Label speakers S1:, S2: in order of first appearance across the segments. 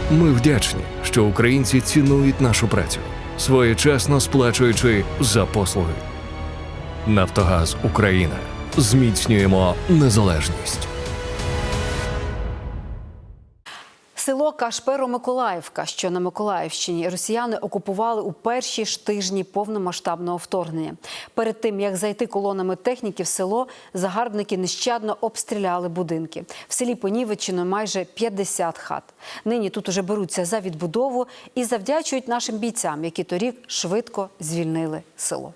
S1: Ми вдячні, що українці цінують нашу працю, своєчасно сплачуючи за послуги. Нафтогаз Україна. Зміцнюємо незалежність.
S2: Село Кашперо-Миколаївка, що на Миколаївщині, росіяни окупували у перші ж тижні повномасштабного вторгнення. Перед тим, як зайти колонами техніки в село, загарбники нещадно обстріляли будинки. В селі понівечено майже 50 хат. Нині тут уже беруться за відбудову і завдячують нашим бійцям, які торік швидко звільнили село.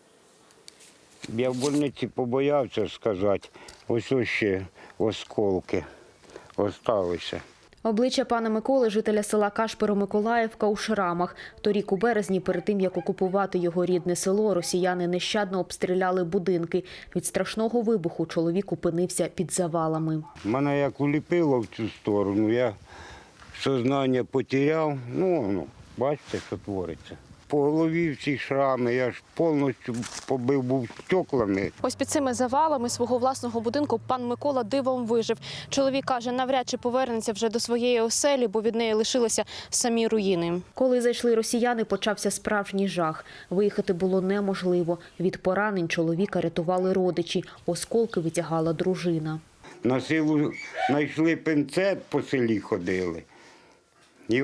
S3: Я в больниці побоявся сказати, ось ще осколки залишилися.
S4: Обличчя пана Миколи, жителя села Кашперо-Миколаївка, у шрамах. Торік у березні, перед тим, як окупувати його рідне село, росіяни нещадно обстріляли будинки. Від страшного вибуху чоловік опинився під завалами.
S3: Мене як уліпило в цю сторону, я сознання потеряв. Бачите, що твориться. По голові всі шрами, я ж повністю побив був стеклами.
S5: Ось під цими завалами свого власного будинку пан Микола дивом вижив. Чоловік каже, навряд чи повернеться вже до своєї оселі, бо від неї лишилися самі руїни.
S4: Коли зайшли росіяни, почався справжній жах. Виїхати було неможливо. Від поранень чоловіка рятували родичі. Осколки витягала дружина.
S3: На силу знайшли пинцет, по селі ходили. І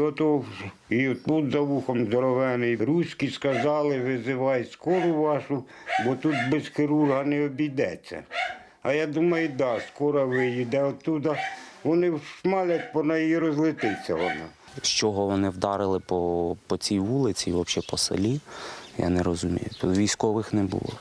S3: тут за вухом здоровений. Руські сказали, визивай скору вашу, бо тут без хірурга не обійдеться. А я думаю, скоро виїде оттуда. Вони шмалять, по неї розлетиться вона.
S6: З чого вони вдарили по цій вулиці, взагалі по селі, я не розумію. Тут військових не було.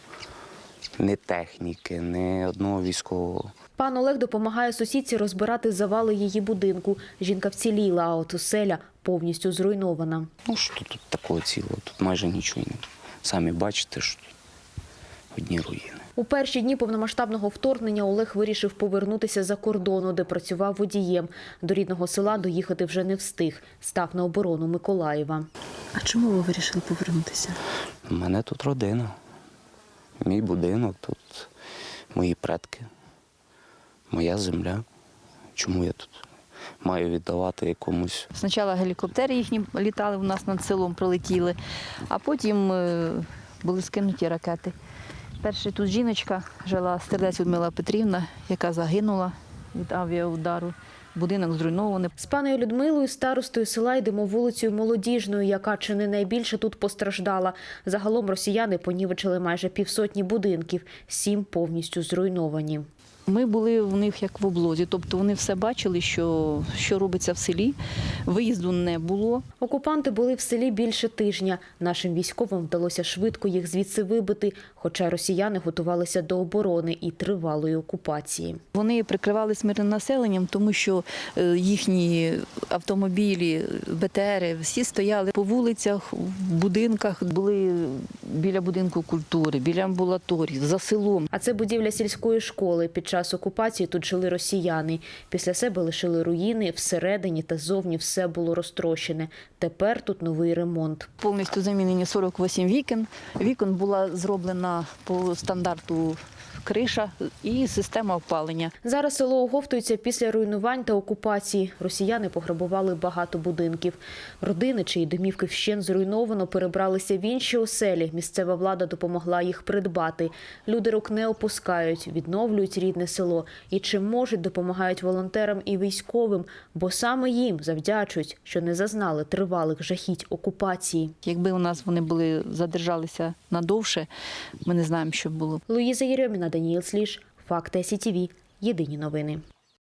S6: Ні техніки, ні одного військового.
S4: Пан Олег допомагає сусідці розбирати завали її будинку. Жінка вціліла, а от оселя повністю зруйнована.
S6: Що тут такого цілого? Тут майже нічого немає. Самі бачите, що тут одні руїни.
S4: У перші дні повномасштабного вторгнення Олег вирішив повернутися за кордону, де працював водієм. До рідного села доїхати вже не встиг. Став на оборону Миколаєва.
S2: А чому ви вирішили повернутися?
S6: У мене тут родина. Мій будинок, тут мої предки, моя земля. Чому я тут маю віддавати якомусь?
S7: Спочатку гелікоптери їхні літали у нас над селом, прилетіли, а потім були скинуті ракети. Перша тут жіночка жила, Стердець Людмила Петрівна, яка загинула від авіаудару. Будинок зруйнований.
S4: З паною Людмилою, старостою села, йдемо вулицею Молодіжною, яка чи не найбільше тут постраждала. Загалом росіяни понівечили майже 50 будинків, 7 повністю зруйновані.
S7: Ми були в них як в облозі, тобто вони все бачили, що робиться в селі, виїзду не було.
S4: Окупанти були в селі більше тижня. Нашим військовим вдалося швидко їх звідси вибити, хоча росіяни готувалися до оборони і тривалої окупації.
S7: Вони прикривалися мирним населенням, тому що їхні автомобілі, БТРи, всі стояли по вулицях, в будинках, були біля будинку культури, біля амбулаторії, за селом.
S4: А це будівля сільської школи. Під час окупації тут жили росіяни. Після себе лишили руїни, всередині та ззовні все було розтрощене. Тепер тут новий ремонт.
S7: Повністю замінені 48 вікон. Вікон була зроблена по стандарту криша і система опалення.
S4: Зараз село оговтується після руйнувань та окупації. Росіяни пограбували багато будинків. Родини, чиї домівки вщент зруйновано, перебралися в інші оселі. Місцева влада допомогла їх придбати. Люди рук не опускають, відновлюють рідне село. І чим можуть, допомагають волонтерам і військовим, бо саме їм завдячують, що не зазнали тривалих жахіть окупації.
S7: Якби у нас вони були задержалися надовше, ми не знаємо, що було.
S4: Луїза Єрьоміна, Даніїл Сліж, Факти СІТВ. Єдині новини.